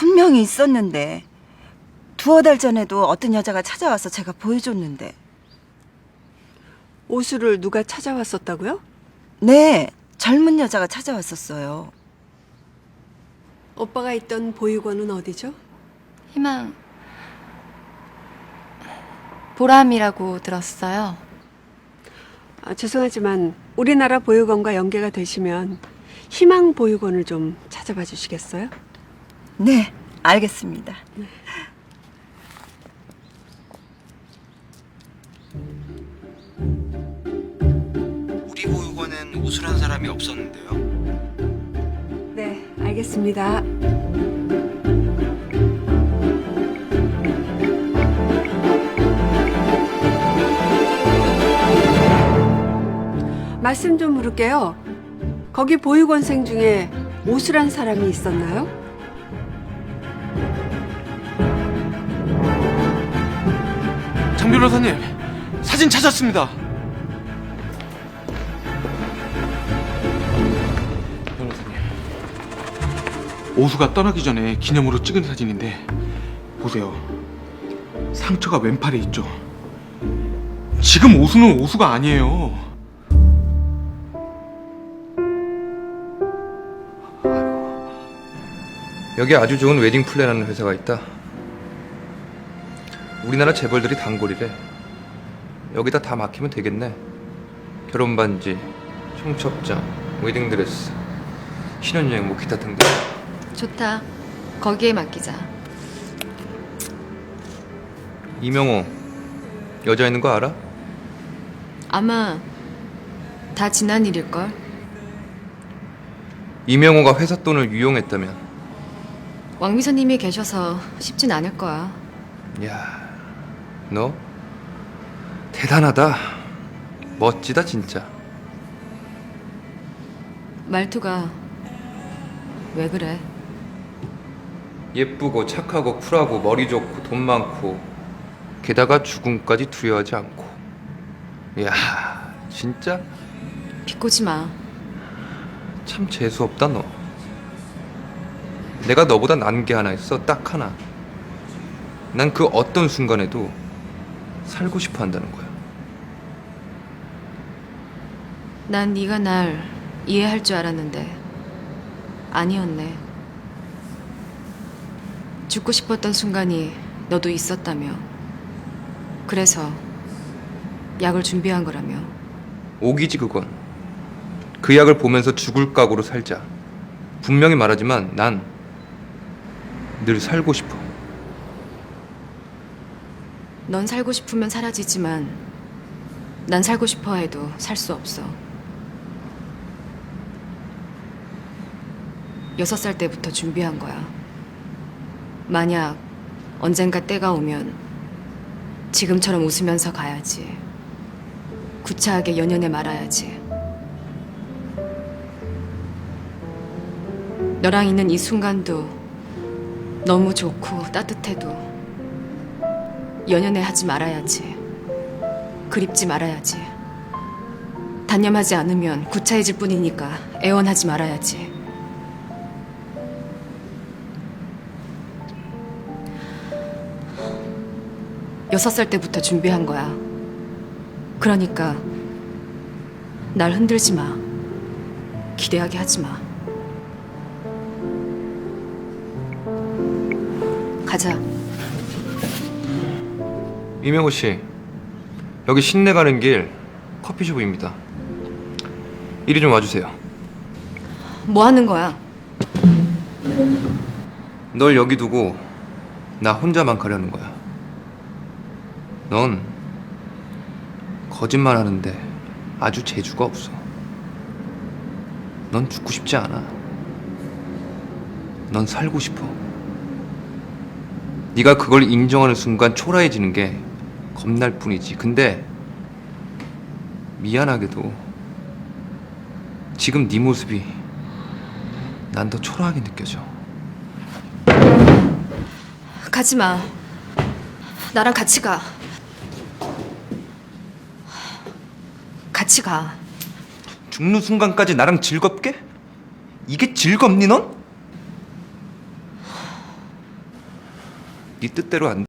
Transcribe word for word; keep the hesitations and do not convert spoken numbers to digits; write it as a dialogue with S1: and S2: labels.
S1: 분명히 있었는데 두어 달 전에도 어떤 여자가 찾아와서 제가 보여줬는데.
S2: 오수를 누가 찾아왔었다고요?
S1: 네, 젊은 여자가 찾아왔었어요.
S2: 오빠가 있던 보육원은 어디죠?
S3: 희망 보람이라고 들었어요.
S2: 아, 죄송하지만 우리나라 보육원과 연계가 되시면 희망 보육원을 좀 찾아봐 주시겠어요?
S1: 네, 알겠습니다.
S4: 우리 보육원엔 우수란 사람이 없었는데요.
S2: 네, 알겠습니다. 말씀 좀 물을게요. 거기 보육원생 중에 오수란 사람이 있었나요?
S5: 장 변호사님, 사진 찾았습니다. 변호사님, 오수가 떠나기 전에 기념으로 찍은 사진인데 보세요. 상처가 왼팔에 있죠. 지금 오수는 오수가 아니에요.
S6: 여기 아주 좋은 웨딩 플랜하는 회사가 있다. 우리나라 재벌들이 단골이래. 여기다 다 막히면 되겠네. 결혼 반지, 청첩장, 웨딩드레스, 신혼여행 뭐 기타 등등.
S3: 좋다. 거기에 맡기자.
S6: 이명호 여자 있는 거 알아?
S3: 아마 다 지난 일일걸.
S6: 이명호가 회사 돈을 유용했다면.
S3: 왕비서님이 계셔서 쉽진 않을 거야.
S6: 야, 너 대단하다. 멋지다 진짜.
S3: 말투가 왜 그래?
S6: 예쁘고 착하고 쿨하고 머리 좋고 돈 많고 게다가 죽음까지 두려워하지 않고. 야, 진짜
S3: 비꼬지 마.
S6: 참 재수없다 너. 내가 너보다 난 게 하나 있어. 딱 하나. 난 그 어떤 순간에도 살고 싶어 한다는 거야.
S3: 난 네가 날 이해할 줄 알았는데 아니었네. 죽고 싶었던 순간이 너도 있었다며. 그래서 약을 준비한 거라며.
S6: 오기지 그건. 그 약을 보면서 죽을 각오로 살자. 분명히 말하지만 난 늘 살고 싶어.
S3: 넌 살고 싶으면 사라지지만 난 살고 싶어 해도 살 수 없어. 여섯 살 때부터 준비한 거야. 만약 언젠가 때가 오면 지금처럼 웃으면서 가야지. 구차하게 연연해 말아야지. 너랑 있는 이 순간도 너무 좋고 따뜻해도 연연해 하지 말아야지. 그립지 말아야지. 단념하지 않으면 구차해질 뿐이니까 애원하지 말아야지. 여섯 살 때부터 준비한 거야. 그러니까 날 흔들지 마. 기대하게 하지 마. 가자.
S6: 이명호 씨, 여기 신내 가는 길 커피숍입니다. 이리 좀 와주세요.
S3: 뭐 하는 거야?
S6: 널 여기 두고 나 혼자만 가려는 거야. 넌 거짓말 하는데 아주 재주가 없어. 넌 죽고 싶지 않아. 넌 살고 싶어. 네가 그걸 인정하는 순간 초라해지는 게 겁날 뿐이지. 근데 미안하게도 지금 네 모습이 난 더 초라하게 느껴져.
S3: 가지 마. 나랑 같이 가. 같이 가.
S6: 죽는 순간까지 나랑 즐겁게? 이게 즐겁니 넌? 네 뜻대로 안